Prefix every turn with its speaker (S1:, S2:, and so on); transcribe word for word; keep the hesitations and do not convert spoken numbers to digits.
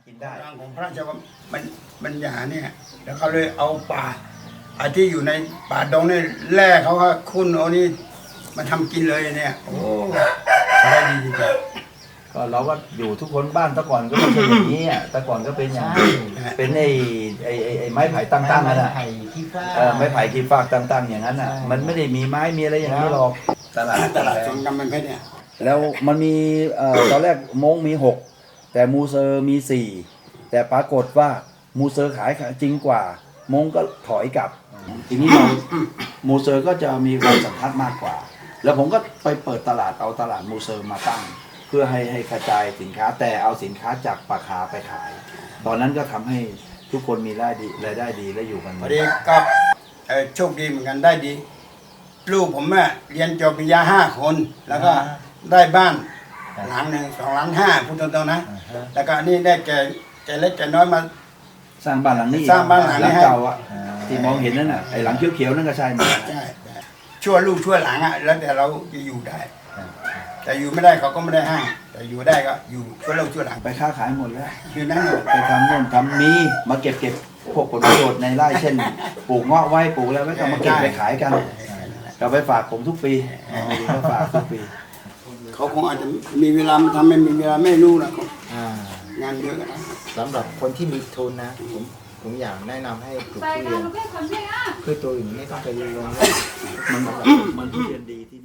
S1: ำกินได้
S2: ของพระราชวังมันมันหยาเนี่ยแล้วเขาเลยเอาป่าไอ้ที่อยู่ในป่าดงนี่แร่เขาก็คุ้นเอานี่มาทำกินเลยเนี่ยโอ้ได้ดีจริงๆ
S1: ก็เราก็อยู่ทุกคนบ้านแต่ก่อนก็ไม่ใช่อย่างนี้อ่ะแต่ก่อนก็เป็นอย่างนี้เป็นไอ้ไอ้ไอ้ไม้ไผ่ตั้งๆนั่นแหละ
S3: ไผ่ขี้ฟ้า
S1: เออไม้ไผ่กีฟากตั้งๆอย่างนั้นอ่ะมันไม่ได้มีไม้มีอะไรอย่างนี้หรอกตลาด
S2: ตลาดสวนกำมันเพชรเนี่ย
S1: แล้วมันมีเอ่อตอนแรกมงมีหกแต่มูเซอร์มีสี่แต่ปรากฏว่ามูเซอร์ขายจริงกว่ามงก็ถอยกลับทีนี้เรามูเซอร์ก็จะมีความสัมพันธ์มากกว่า แล้วผมก็ไปเปิดตลาดเอาตลาดมูเซอร์มาตั้ง เพื่อให้ให้กระจายสินค้าแต่เอาสินค้าจากปาคาไปขาย ตอนนั้นก็ทำให้ทุกคนมีรายได้รายได้ดีและอยู่กัน
S2: พอดีก็เอ่อโชคดีเหมือนกันได้ดี ลูกผมอะเรียนจบปริญญาห้าคนแล้วก็ได้บ้านหลังหนึ่งสองล้านห้าพูดตรงๆนะแล้วก็อันนี่ได้แก่แก่เล็กแก่น้อยมา
S1: สร้างบ้านหลังนี้
S2: สร้างบ้านหลังนี้ให้
S1: เก่าอ่ะที่มองเห็นนั่นน่ะไอ้หลังเขียวๆนั่นก็ใช่หมด
S2: ใช่ช่วยลูกช่วยหลังอะแล้วแต่เราจะอยู่ได้ แต่อยู่ไม่ได้เขาก็ไม่ได้ห้ามแต่อยู่ได้ก็อยู่ช่วยลูกช่วยหลัง
S1: ไปค้าขายหมดแล้ว
S2: คือนั่น
S1: ไปทำโน่นทำนี้มาเก็บเก็บพวกผลประโยชน์ในไร่เช่นปลูกเงาะไว้ปลูกแล้วไว้ก็มาเก็บไปขายกันก็ไปฝากผมทุกปีก็ฝากทุกปี
S2: เขาคงอาจจะมีเวลามาทำไม่มีเวลาไม่รู้นะเขา
S3: อ่าง
S2: านเยอะนะ
S3: สำหรับคนที่มีทุนนะผมผมอยากแนะนำให้ปลูกทุเรียนพืชตัวอื่นไม่ต้องไปลง
S1: มันมันทุเรียนดีที่